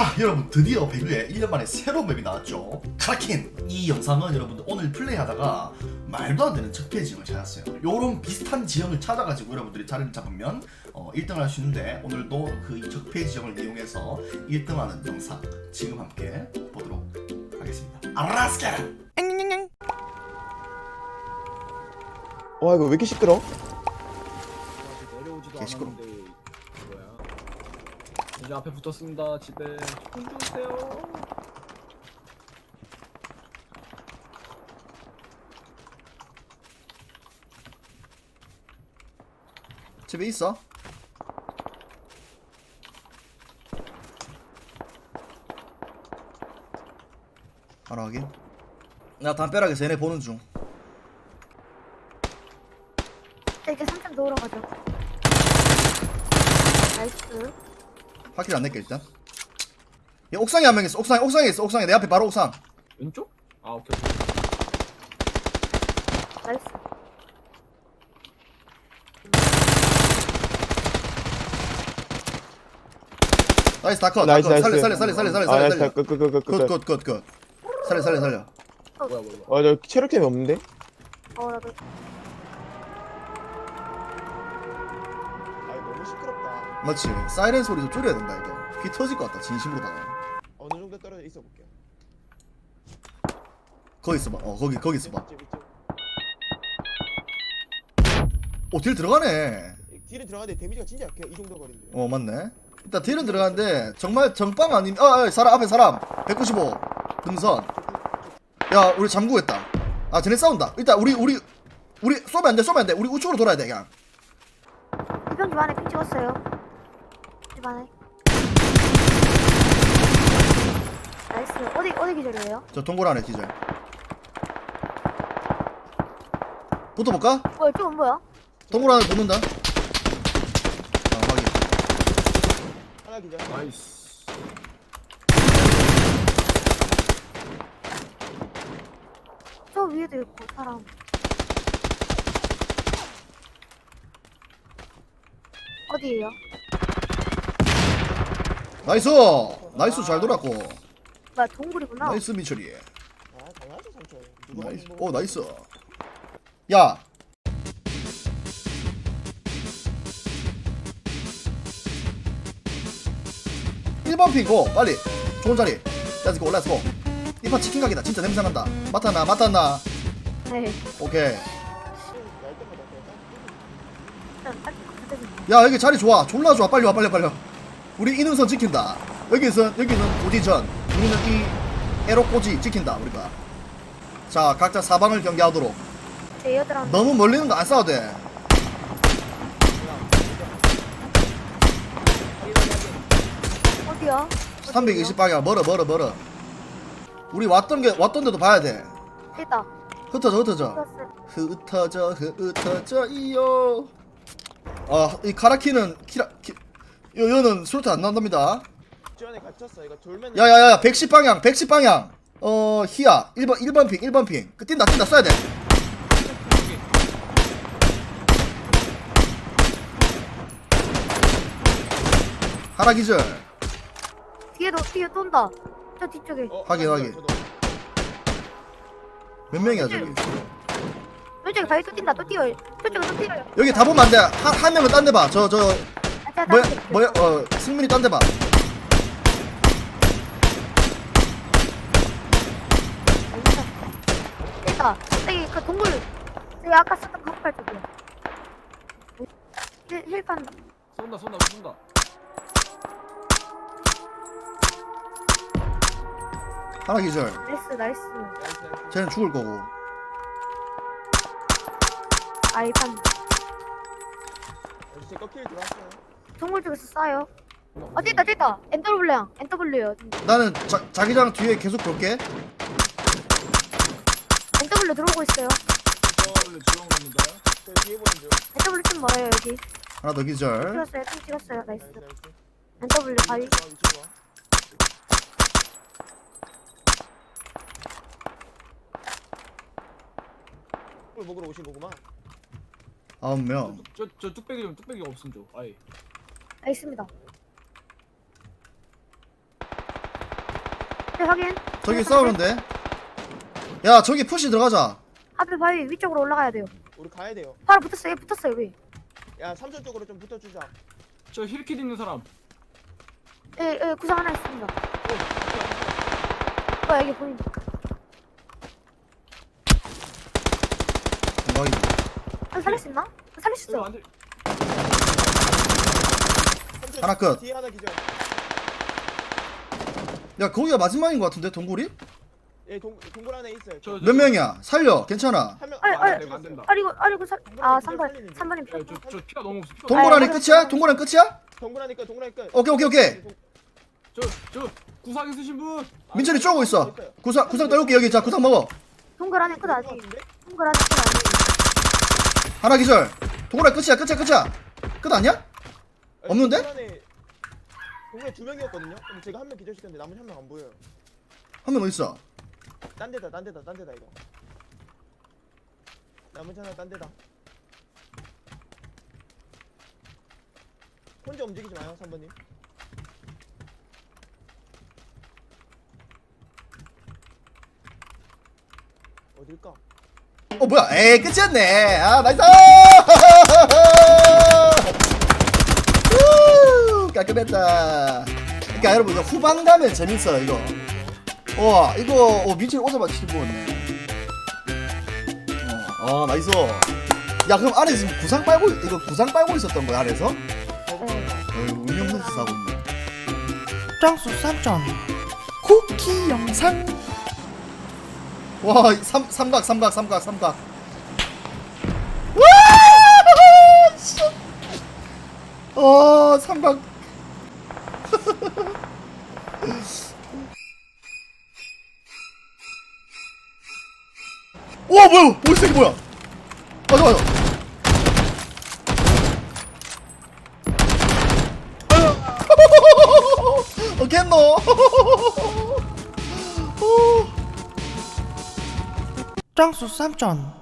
자 여러분 드디어 배그에 1년 만에 새로운 맵이 나왔죠. 카라킨. 이 영상은 여러분들 오늘 플레이하다가 말도 안 되는 적폐 지형을 찾았어요. 요런 비슷한 지형을 찾아가지고 여러분들이 자리를 잡으면 1등을 할 수 있는데 오늘도 그 적폐 지형을 이용해서 1등하는 영상 지금 함께 보도록 하겠습니다. 아라스케. 와 이거 왜 이렇게 시끄러? 내려오지도 개 시끄러워. 않았는데 뭐야? 이제 앞에 붙었습니다. 집에 좀 주세요. 집에 있어? 바로 확인. 나 담벼락에서 얘네 보는 중. 이제 3점 넣으러 가죠. 나이스. 확킬 안 낼게 일단. 야, 옥상에 한 명 있어. 옥상에 있어. 옥상에 내 앞에 바로 옥상. 왼쪽? 아 오케이. 나이스. 나이스 다컷. 나이스, 나이스. 살려. 끝. 굿. 살려. 뭐야. 저 체력템이 없는데? 나도. 아 너무 시끄럽다. 맞지. 사이렌 소리도 줄여야 된다 이거. 귀 터질 것 같다 진심으로다가. 어느 정도 떨어져 있어 볼게요. 거기 있어봐. 거기 있어봐. 이쪽. 딜 들어가네. 딜은 들어가는데 데미지가 진짜 약해요. 이 정도 거리인데. 맞네. 일단 딜은 들어가는데 정말 정빵 아님. 사람 앞에 사람. 195 등선. 야 우리 잠구했다. 아 쟤네 싸운다. 일단 우리 쏘면 안 돼. 우리 우측으로 돌아야 돼 그냥. 이병 집 안에 핀 찍었어요. 집 안에. 나이스. 어디 기절이에요? 저 동굴 안에 기절. 붙어볼까? 뭐야, 이쪽은 뭐야? 동굴 안에 붙는다. 확인. 하나 기절. 나이스. 저 위에도 있고, 사람. 어디에요? 나이스 잘 돌았고. 뭐야, 동굴이구나. 나이스 미철이. 아 당연하죠 삼촌. 누가 나이스. 먹는 거 나이스. 야. (1번) 핑고 빨리 좋은 자리. 렛츠고 렛츠고. 이판 치킨 가게다. 진짜 냄새 난다. 맡았나? 네. 오케이. 날 때마다 일단 딱 붙여주세요. 야 여기 자리 좋아. 졸라 좋아. 빨리 와. 우리 이능선 지킨다. 여기는 고지전. 우리는 이 에로꼬지 지킨다 우리가. 자 각자 사방을 경계하도록. 제 여드랑 너무 멀리는 거 안 싸워도 돼. 어디야? 320방향 멀어. 우리 왔던 데도 봐야 돼. 있다. 흩어져. 흩어져 이요. 이 카라키는 여는 수류탄 안 나온답니다. 저 안에 갇혔어. 이거 돌면. 야야야 110방향. 희야 1번 핑. 뛴다 쏴야 돼. 하나 기절. 뒤에 돈다. 저 뒤쪽에. 확인. 몇 명이야 저기. 왼쪽에 바위 또 뛴다. 또 뛰어요. 저쪽에 또 뛰어요. 여기 다 보면 안 돼. 한 명은 딴 데 봐. 아, 뭐야 승민이 딴 데 봐. 있다. 여기 그 동굴. 여기 아까 썼던 그 쪽이야. 힐판. 쏜다. 하나 기절. 나이스. 쟤는 죽을 거고. 힐판. 제 꺾일 들어왔어요. 동굴 쪽에서 쏴요. 됐다. NW요. 나는 자기장 뒤에 계속 볼게. NW 들어오고 있어요. 원래 지원 갑니다. 저 뒤에 보는 중. NW 좀 멀어요, 여기. 하나 더 기절. 찍었어요. 나이스. 나이스. NW 바위. 이쪽 와. 물 먹으러 오신 거구만. 9명. 저 뚝배기 없음 줘. 아예. 있습니다. 네, 확인. 저기 싸우는데. 야 저기 푸시 들어가자. 앞에 바위 위쪽으로 올라가야 돼요. 우리 가야 돼요. 바로 붙었어요. 붙었어요. 여기. 야 삼촌 쪽으로 좀 붙어주자. 저 힐킷 있는 사람. 예, 예, 구상 하나 있습니다. 여기 보인다. 대박이다. 살릴 수 있나? 살릴 수 이거 있어. 안 돼. 삼촌 하나 끝. 뒤에 하나 기절. 야 거기가 마지막인 것 같은데 동굴이? 예 동굴 안에 있어요. 몇 명이야? 살려. 괜찮아. 한명 아니, 아니, 안 된다. 아리고 3번. 3번님 표. 저 피가 너무 없어. 피가 동굴 안에 아니, 끝이야? 동굴 안에 끝이야? 동굴 안에 끝. 동굴 안에 끝. 오케이 오케이 오케이. 저 구상 있으신 분. 민철이 쪼고 있어. 구상 떨굴게 여기. 자 구상 먹어. 동굴 안에 끝 아직. 동굴 안에 끝 아직. 하나 기절. 동굴 안에 끝이야. 끝 아니야? 없는데? 동굴에 2명이었거든요. 근데 제가 한 명 기절시켰는데 나머지 한 명 안 보여요. 한 명 어디 있어? 딴 데다 이거. 나머지 하나 딴 데다. 혼자 움직이지 마요, 3번님. 어딜까? 어 뭐야? 에이 끝이었네. 아 나이스. 우, 깔끔했다. 그러니까 여러분 이거 후반 가면 재밌어요 이거. 와 이거 민철이 오자마자 치고 먹었네. 나이스. 야 그럼 안에서 지금 구상 빨고 있었던 거야 안에서? 어휴 운영 선수 하고 있네. 짱수 쌈전 쿠키 영상. 와 삼각. 와! 씨. 삼각. 와 뭐야? 머리색이 뭐야? 맞아. 겠노? 짱수 쌈전